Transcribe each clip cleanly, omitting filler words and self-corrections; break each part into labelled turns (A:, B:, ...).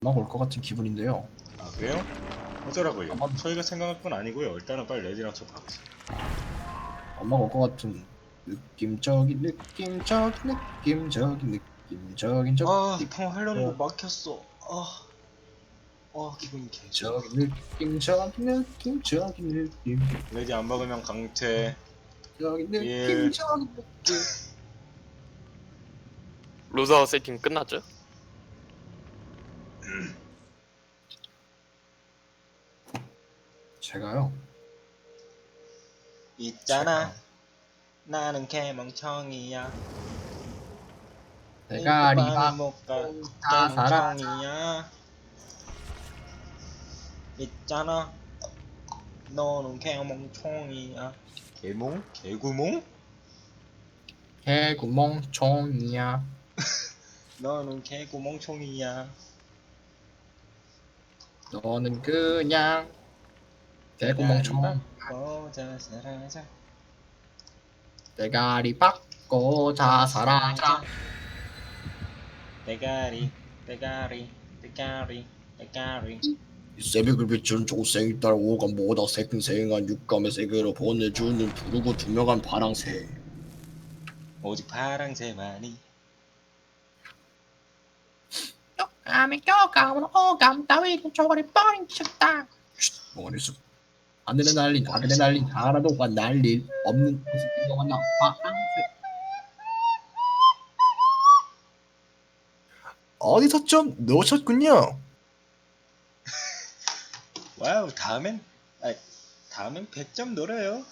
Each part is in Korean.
A: 막 올 것 같은 기분인데요.
B: 아 그래요? 어쩌라고요?
A: 아마
B: 저희가 생각할 건 아니고요. 일단은 빨리 레디랑 쳐 박읍시다.
A: 엄마가 올 것 같은 느낌적인
B: 통화하려는 거 막혔어. 기분이 개좋아.
A: 느낌
B: 레디 안 박으면 강퇴.
A: 느낌적인
B: 1.
A: 느낌.
C: 로드아웃 세팅 끝났죠?
A: 제가요.
B: 있잖아. 나는 개멍청이야.
A: 대가리
B: 많이 못 가.
A: 받고 다 살아.
B: 개멍청이야. 있잖아. 너는 개멍청이야. 개몽? 개구몽?
A: 개구멍청이야.
B: 너는 개구멍청이야.
A: 너는 그냥
B: 대가리
A: 개구멍청.
B: 받고 자살하자.
A: 대가리 받고 자살하자.
B: 대가리.
A: 이 새벽을 비춘 조생이 딸 오감보다 생생한 육감의 세계로 보내주는 푸르고 투명한 파랑새.
B: 오직 파랑새만이.
D: 교감은 오감 따위를 저버려버린 쳤다.
A: 머리수 아드레날린 하나도 안 날릴 없는 모습이 너가 나 파랑새. 어디서 좀 놓으셨군요.
B: 와우, 다음엔 100점 노려요.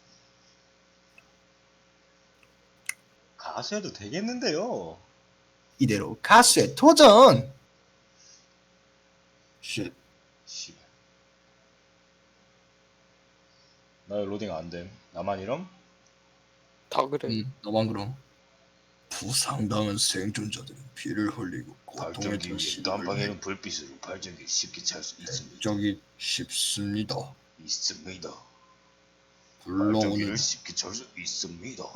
B: 가수해도 되겠는데요.
A: 이대로 가수의 도전. 쉣.
B: 씨발. 나 로딩 안 됨. 나만 이럼?
C: 다 그래.
A: 너만 그럼. 부상당한 생존자들은 피를 흘리고 고통에
B: 발전기 위에
A: 시름을
B: 난방에는 불빛으로 발전기 쉽게 찰 수 있습니다.
A: 적이 쉽습니다. 발전기를 불러오는
B: 쉽게 찰 수 있습니다.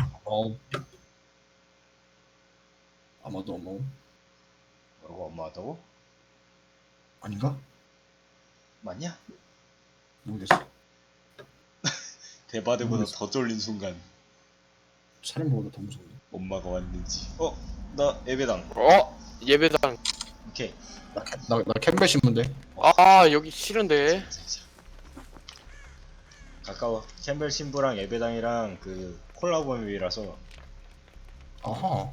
A: 아마도 뭐
B: 뭐라고 엄마하다고?
A: 아닌가?
B: 맞냐?
A: 모르겠어.
B: 대바대보다
A: 모르겠어.
B: 더 쫄린 순간
A: 사람보다 더 무섭네.
B: 엄마가 왔는지. 나 예배당.
C: 예배당.
B: 오케이.
A: 나 캠벨 신문데.
C: 여기 싫은데.
B: 가까워. 캠벨 신부랑 예배당이랑 그 콜라보이라서.
A: 아하.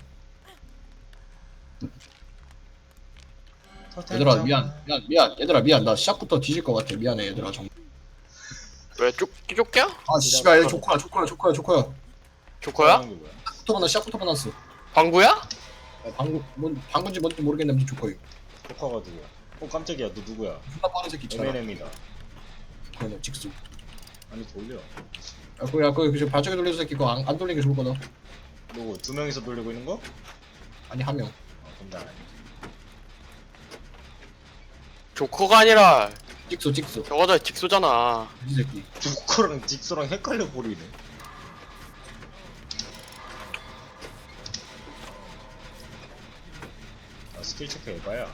A: 얘들아 미안. 얘들아 미안. 나 시작부터 뒤질 것 같아. 미안해 얘들아.
C: 왜 쫓겨?
A: 아 씨발 얘 조커야.
C: 조커야?
B: 게 뭐야?
A: 시작부터 만났어.
C: 방구야?
A: 방금지 뭔지 모르겠는데 아무튼 조커임.
B: 조커가 누구야? 깜짝이야. 너 누구야?
A: 존나 빠른 새끼 있잖아.
B: MNM이다.
A: 그거는 직수.
B: 아니 돌려.
A: 그 발전기 돌리는 새끼 그거 안 돌리는 게 좋을 거다.
B: 누구? 두 명이서 돌리고 있는 거?
A: 아니 한 명.
B: 그럼 나 아니야.
C: 조커가 아니라
A: 직수.
C: 저거다 직소잖아.
A: 이 새끼.
B: 조커랑 직소랑 헷갈려 버리네. 스킬 체크 해봐야.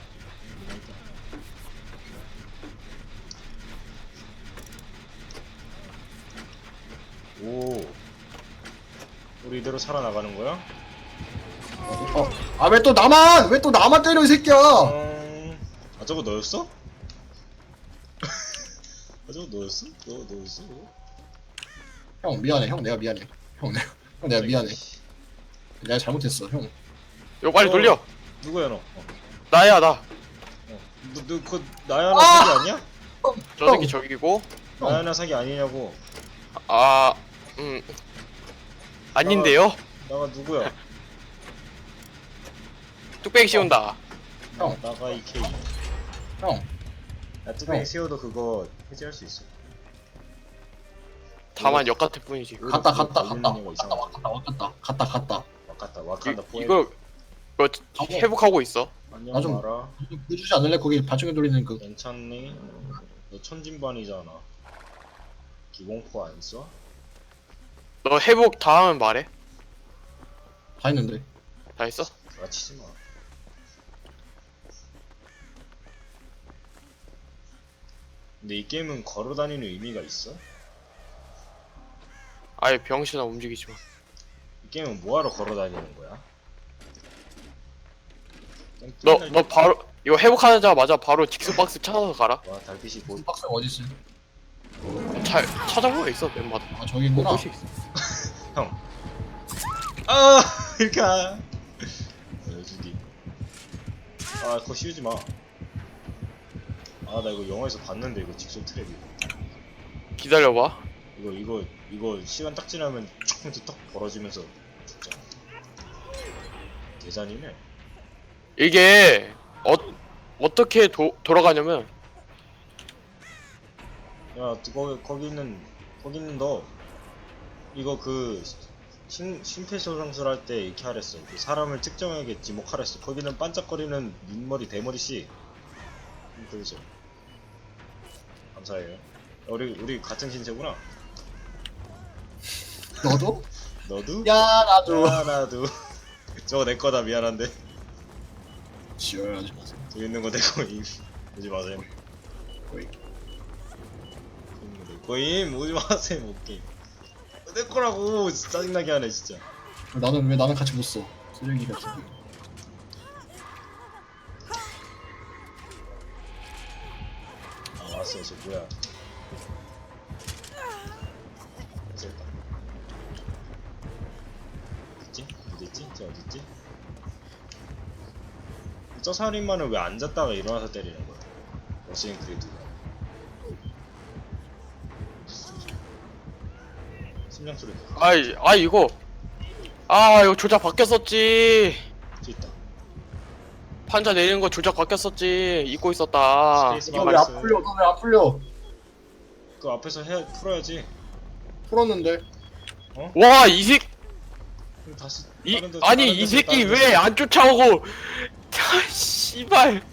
B: 오. 우리 이대로 살아나가는 거야?
A: 왜 또 나만 때려 이 새끼야.
B: 저거 너였어? 저거 너였어? 너였어?
A: 형 미안해. 형 내가 미안해. 형 내가 미안해. 내가 잘못했어 형.
C: 이거 빨리 돌려.
B: 누구야 너?
C: 나야 나.
B: 그 나야나 사기 아니야?
C: 저 새끼 저기고.
B: 나야나 사기 아니냐고.
C: 아닌데요?
B: 나가 누구야?
C: 뚝배기 씌운다.
A: 형.
B: 나가 이 K.
A: 형.
B: 야 뚜껑이
A: 형.
B: 세워도 그거 해제할 수 있어.
C: 다만 역 같을 뿐이지.
A: 갔다.
B: 와칸다 포에.
C: 이거 회복하고 있어.
B: 안녕
A: 나 좀-
B: 마라.
A: 해주지 않을래? 거기 발전기 돌리는 그.
B: 괜찮니? 너 천진반이잖아. 기공포 안 써?
C: 너 회복 다 하면 말해.
A: 다 했는데.
C: 다 했어?
B: 가치지 마. 근데 이 게임은 걸어다니는 의미가 있어?
C: 아예 병신아 움직이지 마.
B: 이 게임은 뭐하러 걸어다니는 거야?
C: 너 바로 이거 회복하자마자 바로 직수박스 찾아서 가라.
B: 와 달빛이 곧
A: 박스 어딨어?
C: 잘 찾아보고 있어 멤버들.
A: 아 저기구나.
C: 곳이 있어.
B: 아 이렇게 여주기 아 그거 씌우지 마. 아 나 이거 영화에서 봤는데 이거 직선 트랩
C: 기다려봐.
B: 이거 시간 딱 지나면 조금씩 턱 벌어지면서 죽잖아. 계산이네.
C: 이게 어떻게 돌아가냐면
B: 야 거기 있는 너 이거 그 심폐소생술 할 때 이렇게 하랬어. 그 사람을 특정하게 지목하랬어. 거기는 반짝거리는 눈머리 대머리씨. 그러죠. 감사해요. 우리 같은 신세구나.
A: 너도?
B: 너도?
A: 야 나도.
B: 야 나도. 저거 내 거다. 미안한데.
A: 지어야지 마세요.
B: 여기 있는 거 내 거임. 오지 마세요.
A: 거의.
B: 내 거임. 오지 마세요. 오케이. 내 거라고. 짜증나게 하네 진짜.
A: 나는 왜 나는 같이 못 써? 쓰레기 같은 거.
B: 아 왔어. 저 뭐야. 됐다. 어딨지? 어딨지? 저 어딨지? 저 살인마는 왜 앉았다가 일어나서 때리는 거야? 러시안 크리드. 심장 소리.
C: 이거 이거 조작 바뀌었었지.
B: 저 있다.
C: 판자 내리는 거 조작 바뀌었었지. 잊고 있었다.
B: 스페이스
A: 이거
B: 바
A: 왜 안
B: 있어요.
A: 풀려? 너 왜 안 풀려?
B: 그 앞에서 풀어야지.
A: 풀었는데.
C: 와 이 새끼
B: 그럼 다시
C: 아니 이 새끼 왜 안 쫓아오고? 아 씨발.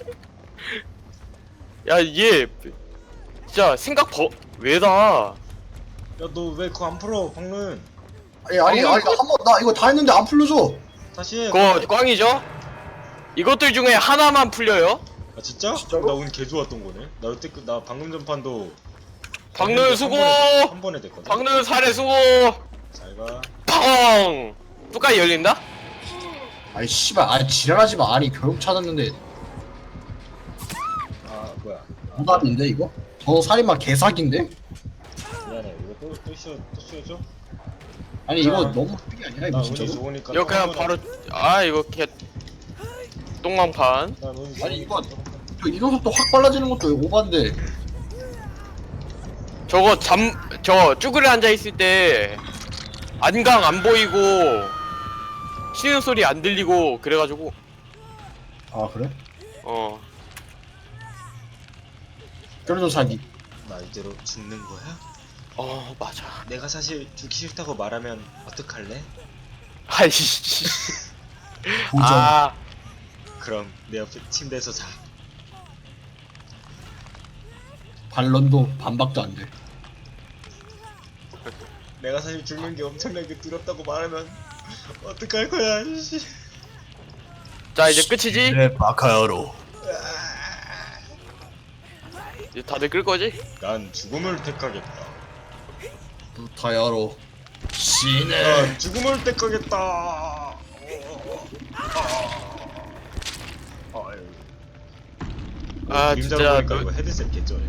C: 야 얘 진짜 생각 왜다.
B: 야 너 왜 그거 안 풀어 방금.
A: 아니 나 이거 다 했는데 안 풀려줘.
B: 다시 해.
C: 그거 꽝이죠? 이것들 중에 하나만 풀려요.
B: 아 진짜?
A: 진짜로?
B: 나 오늘 개 좋았던 거네. 나 여태 나 방금 전판도
C: 박노현 수고.
B: 한 번에 됐거든.
C: 박노현 살해 수고.
B: 잘가.
C: 펑. 뚜까지 열린다?
A: 아니 씨발, 아니 지랄하지 마. 아니 결국 찾았는데
B: 아 뭐야.
A: 오답인데 이거? 저 살인마 개사기인데?
B: 미안해. 이거 또 씌워줘?
A: 아니 이거 너무 크게 아니야
B: 나
A: 이거
B: 운이
A: 진짜로?
B: 좋으니까.
C: 이거 그냥 바로 이거 개 똥망판.
B: 나 운이
A: 아니, 이거-
B: 좋으니까.
A: 저 이동 속도 확 빨라지는 것도 오반데.
C: 저거 쭈그려 앉아 있을 때 안강 안 보이고 쉬는 소리 안 들리고 그래가지고
A: 아 그래? 쫄쫄 사기.
B: 나 이대로 죽는 거야?
C: 맞아.
B: 내가 사실 죽기 싫다고 말하면 어떡할래?
C: 아이씨.
A: 도전.
B: 그럼 내 옆에 침대에서 자.
A: 반런도 반박도 안 돼.
B: 내가 사실 죽는 게 엄청나게 두렵다고 말하면 어떡할 거야? 씨.
C: 자 이제 끝이지?
A: 네 마카야로.
C: 이제 다들 끌 거지?
B: 난 죽음을 택하겠다.
A: 부타야로. 신의.
B: 난 죽음을 택하겠다.
C: 진짜
B: 보니까 이거 헤드셋 개쩌네.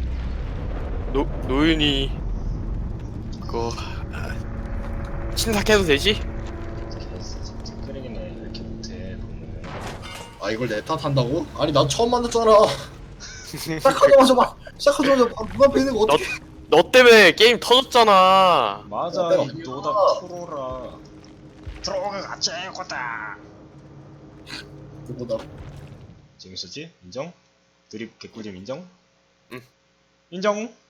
C: 노윤이 그거 신탁해도 되지?
B: 찌끄레기네. 왜 이렇게 못해? 너는.
A: 아 이걸 내 탓한다고? 아니 나 처음 만났잖아. 시작하자마자 문 앞에 있는 거 어떻게?
C: 너 때문에 게임 터졌잖아.
B: 맞아.
A: 내가
B: 이 노다 프로라. 들어가 최고다.
A: 누구다?
B: 재밌었지? 인정? 드립 개꿀잼 인정?
C: 응.
B: 인정?